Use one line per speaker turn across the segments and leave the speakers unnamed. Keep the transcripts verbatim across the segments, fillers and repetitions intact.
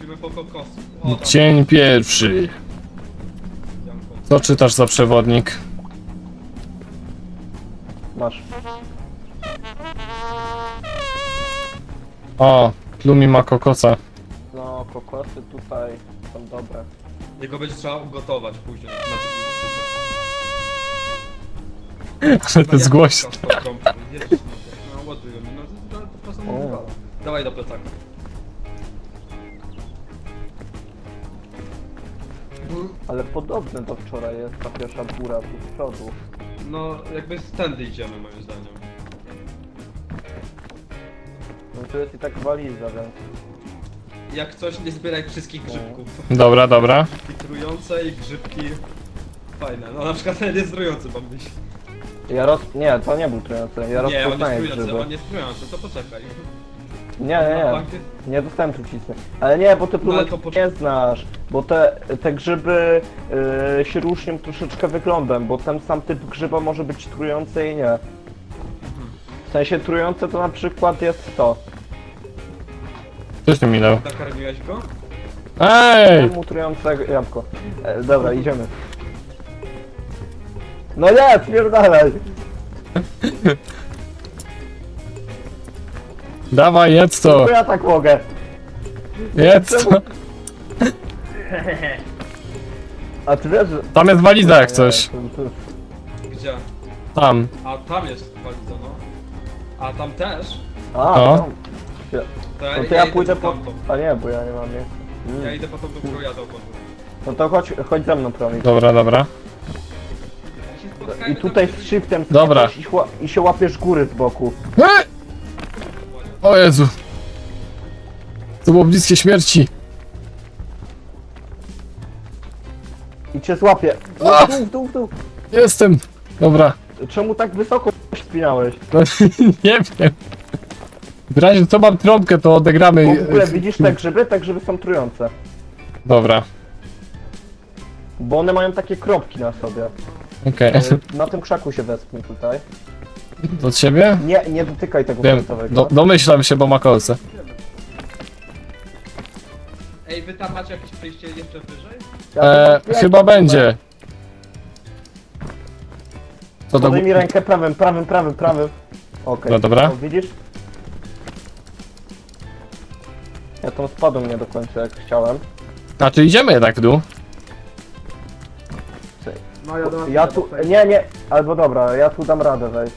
idziemy po kokosy. O, tam.
Dzień pierwszy. Co czytasz za przewodnik?
Masz.
O, Plumi ma kokosa.
No, kokosy tutaj są dobre.
Jego będzie trzeba ugotować później. Na co
Ale to jest głośno.
No, ładują mi, no to, to, to czasem
O.
nie wywala. Dawaj do plecaka.
Ale podobne do wczoraj jest ta pierwsza góra tu z przodu.
No, jakby stędy idziemy moim zdaniem.
No tu jest i tak waliza, więc...
Jak coś, nie zbieraj wszystkich grzybków.
Dobra, dobra.
Grzybki trujące i grzybki fajne. No na przykład ten jest trujący, mam być.
Ja roz... Nie, to nie był trujący. Ja
Nie, on jest
rozpoznaję
trujący,
grzyby.
on jest trujący, to poczekaj.
Nie, nie,
No,
nie. Nie dostałem trucizny. Ale nie, bo ty
No, ale
próbek
to poczek-
nie znasz. Bo te, te grzyby yy, się różnią troszeczkę wyglądem, bo ten sam typ grzyba może być trujący i nie. W sensie trujące to na przykład jest to.
Coś mi minął.
Nakarmiłeś go?
Ej!
Temu trujące jabłko. E, dobra, idziemy. No nie, spierdalaj!
Dawaj, jedz to!
To ja tak mogę.
Jedz to!
A ty wiesz, że...
Tam jest waliza jak coś.
Nie, to- to-
Gdzie?
Tam.
A tam jest waliza, no. A tam też?
A,
No.
tam.
To ja,
No to ja
idę
pójdę
po
po...
tamtą.
A nie, bo ja nie mam miejsca. Mm.
Ja idę po tą, do którą jadę obok.
No to chodź, chodź ze mną, Promil.
Dobra, dobra.
I tutaj z shiftem
Dobra.
skaczesz i, chła- i się łapiesz góry z boku.
Ej! O Jezu. To było bliskie śmierci.
I cię złapie.
A!
W dół, w dół, w dół.
Jestem. Dobra.
Czemu tak wysoko spinałeś?
No, nie wiem. W razie co mam trąbkę, to odegramy.
W ogóle widzisz te grzyby? Te grzyby są trujące.
Dobra.
Bo one mają takie kropki na sobie.
Okej.
E, Na tym krzaku się wespnij tutaj.
Do ciebie?
Nie, nie dotykaj tego
Wiem.
fioletowego.
Do, domyślam się, bo ma kolce.
Ej, wy tam macie jakieś przejście jeszcze wyżej?
Ja
E,
to- ja
chyba
to-
będzie. Co do...
Podaj mi rękę prawym, prawym, prawym, prawym. Okej.
No dobra.
O, widzisz? Ja tam spadłem nie do końca jak chciałem.
A czy idziemy jednak w dół?
No ja do
Ja tu... Nie, nie. Albo dobra, ja tu dam radę wejść.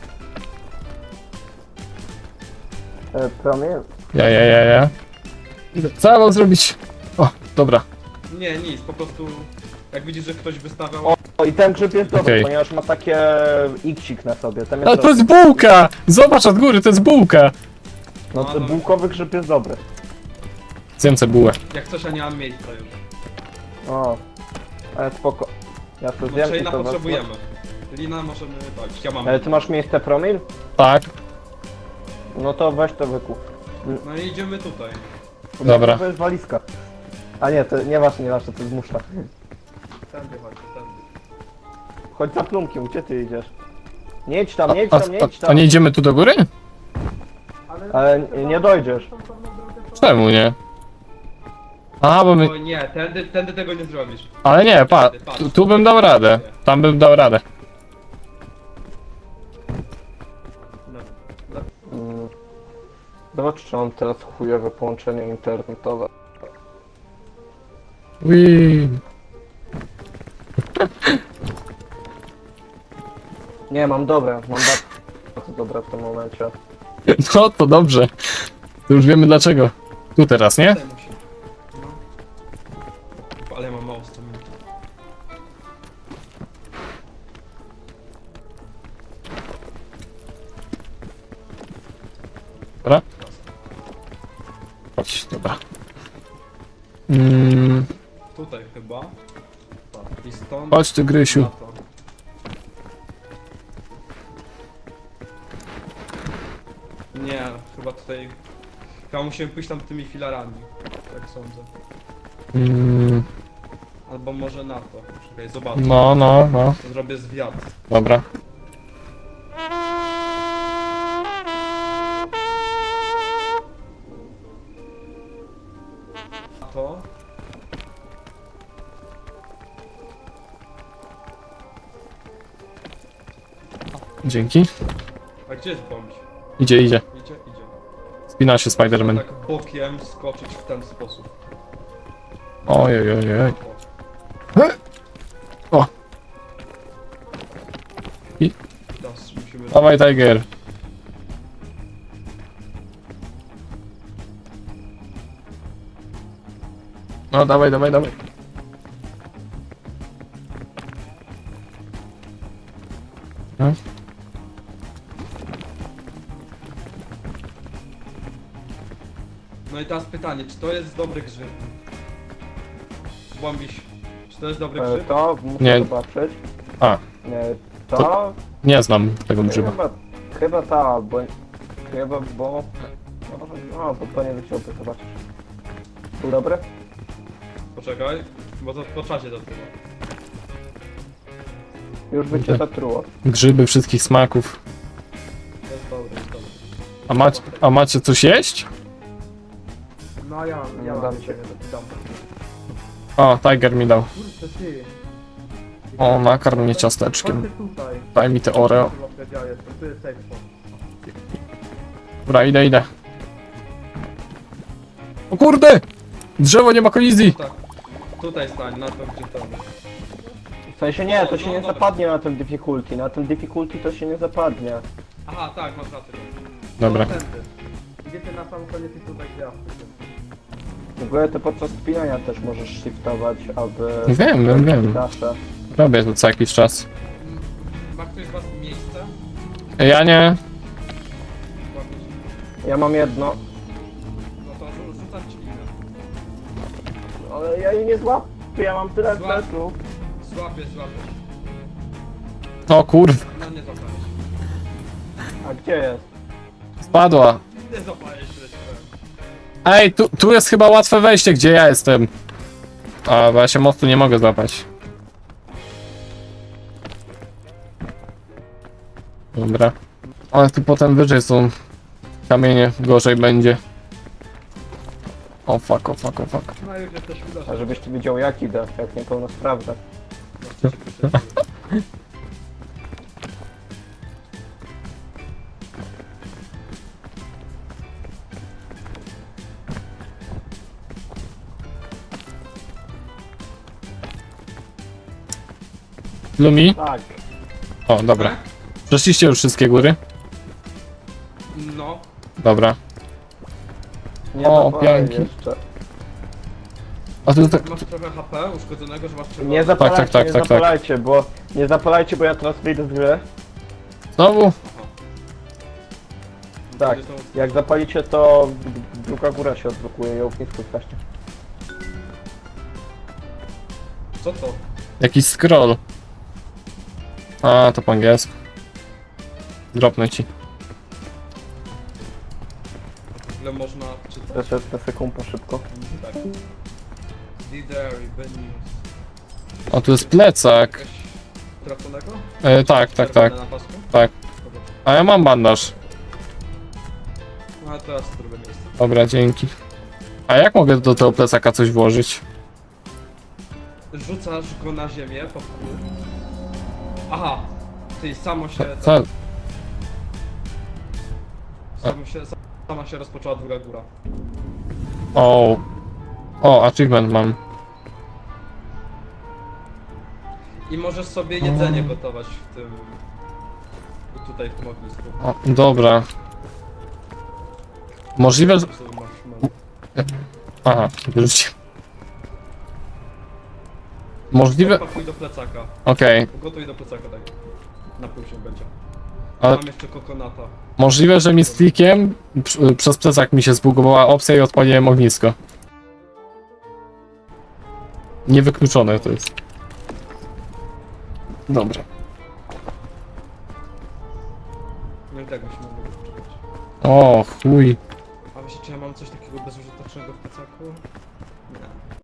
E, Promil?
Ja, ja, ja, ja. Co ja mam zrobić? O, dobra.
Nie, nic, po prostu jak widzisz, że ktoś wystawiał...
O, o i ten grzyb jest dobry,
Okej.
ponieważ ma takie iksik na sobie. Ten
Ale
jest
to jest bułka! Zobacz od góry, to jest bułka!
No to bułkowy grzyb jest dobry.
Zjem bułę.
Jak coś, ja nie mam miejsca już.
O. Ale spoko. Ja to
No
zjem
czy
i
lina
to wezmę.
potrzebujemy. Lina możemy dać, ja mam.
Ale ty masz miejsce promil?
Tak,
No to weź to wykup.
No i idziemy tutaj.
dobra.
To jest walizka. A nie, to nie ważne, nie ważne, to jest muszla.
Tędy chodź, tędy.
Chodź za plumkiem, gdzie ty idziesz? Nie idź tam,
A,
nie idź
a,
tam, nie idź
a, a
tam.
nie idziemy tu do góry?
Ale nie- nie dojdziesz.
Czemu nie? Aha, bo my...
O nie, tędy, tędy tego nie zrobisz.
Ale nie, pa, tu, tu bym dał radę. Tam bym dał radę.
No.
Mm. Zobacz, czy mam teraz chujowe połączenie internetowe.
Ui.
Nie, mam dobre, mam bardzo dobre w tym momencie.
No to dobrze. To już wiemy dlaczego. Tu teraz, nie?
Tutaj musi. No. Ale ja mam mało sto minut.
Dobra. Chodź, dobra. Mm,
Tutaj chyba. I stąd.
chodź ty, Grysiu.
na to. Nie, chyba tutaj... Chyba musimy pójść tam tymi filarami. Tak sądzę.
Mm,
Albo może na to. Czekaj, zobacz.
no, no, no.
Zrobię zwiat.
Dobra.
Na to.
Dzięki.
A gdzie jest bądź?
Idzie, idzie.
Idzie, idzie.
Spina się Spiderman.
Tak bokiem skoczyć w ten sposób.
Oj, oj, oj, oj.
O.
O. I-
Teraz musimy...
Dawaj, Tiger. No, dawaj, dawaj, dawaj. No.
No i teraz pytanie, czy to jest dobry grzyb? Błąbiś, czy to jest dobry
E,
grzyb?
To muszę
Nie.
zobaczyć.
A,
Nie, to...
nie znam tego grzyba.
Chyba, chyba ta, bo... Chyba, bo... No, no to to nie wyciągnę, zobaczysz. Był dobry?
Poczekaj, bo to po czasie dopiero.
Już by cię zatruło.
Grzyby wszystkich smaków.
To jest dobry, jest dobry.
A macie, a macie coś jeść?
No ja,
ja
mam
dam
cię,
cię.
dam.
O, Tiger mi dał.
Kurde ty.
O, nakarm mnie ciasteczkiem.
Chodźcie tutaj.
Daj mi te Oreo.
Chyba ja jestem, tu jest safe spot.
Dobra, idę, idę. O kurde! Drzewo nie ma kolizji!
Tak. Tutaj stań, na to gdzie to.
W sensie nie, to się
No,
nie
dobra.
zapadnie na tym difficulty. Na tym difficulty to się nie zapadnie.
Aha, tak, masz rację.
Dobra.
No, tędy. Gdzie ty na sam koniec i tutaj gwiazdy.
W ogóle to podczas spinania też możesz shiftować, aby...
Wiem, wiem, wiem.
Dasze.
Robię to co jakiś czas.
Ma ktoś z was miejsce?
Ja nie.
Łapić.
Ja mam jedno,
No to rzu- rzucam ci linę.
ale ja jej nie złapię, ja mam tyle
Złap.
pleców.
Złapiesz, złapiesz.
O kurwa,
No nie złapałeś.
A gdzie jest?
spadła.
Nie złapałeś, tyle ci powiem.
Ej, tu, tu jest chyba łatwe wejście, gdzie ja jestem. A, bo ja się mostu nie mogę złapać. Dobra. Ale tu potem wyżej są kamienie, gorzej będzie. O fuck, o fuck, o fuck.
No już jesteś uda,
A żebyś ty wiedział jak idę, jak niepełnosprawny.
Lumi?
Tak.
O, dobra. Przeszliście już wszystkie góry?
No,
Dobra.
Nie
O,
zapalaj
pianki.
jeszcze.
A tu tak...
masz trochę H P uszkodzonego, że masz trzeba...
Nie zapalajcie,
tak, tak,
nie
tak, tak.
zapalajcie, bo... Nie zapalajcie, bo ja teraz wyjdę z gry.
Znowu?
Tak. Jak zapalicie, to druga góra się odblokuje i ognisko zgaśnie.
Co to?
Jakiś scroll. A, to po angielsku. Dropnę ci.
Ile można czytać?
Teraz jest na sekundę szybko.
Tak. Didery, Benius.
O, tu jest plecak.
Jakaś traconego?
E, tak, tak, tak,
Na pasku?
tak.
Dobra.
A ja mam bandaż.
No a teraz drugie miejsce.
Dobra, dzięki. A jak mogę do tego plecaka coś włożyć?
Rzucasz go na ziemię po wpół. Aha! Ty samo się...
Co?
Samo się sama się rozpoczęła druga góra.
O. O, achievement mam.
I możesz sobie jedzenie gotować w tym... Tutaj w tym ognisku.
O, dobra. Możliwe, że...
Sobie masz-
Aha, wyrzucił. Możliwe...
Pakuj do plecaka.
Okej.
Gotuj do plecaka, tak. Na pół się będzie.
Ale
Mam jeszcze kokonata.
możliwe, że mi z klikiem pr- przez plecak mi się zbugowała opcja i odpaliłem ognisko. Niewykluczone to jest. Dobra.
No i tak byśmy mogli poczekać.
O, chuj.
A myślicie, czy ja mam coś takiego bezużytecznego w plecaku? Nie.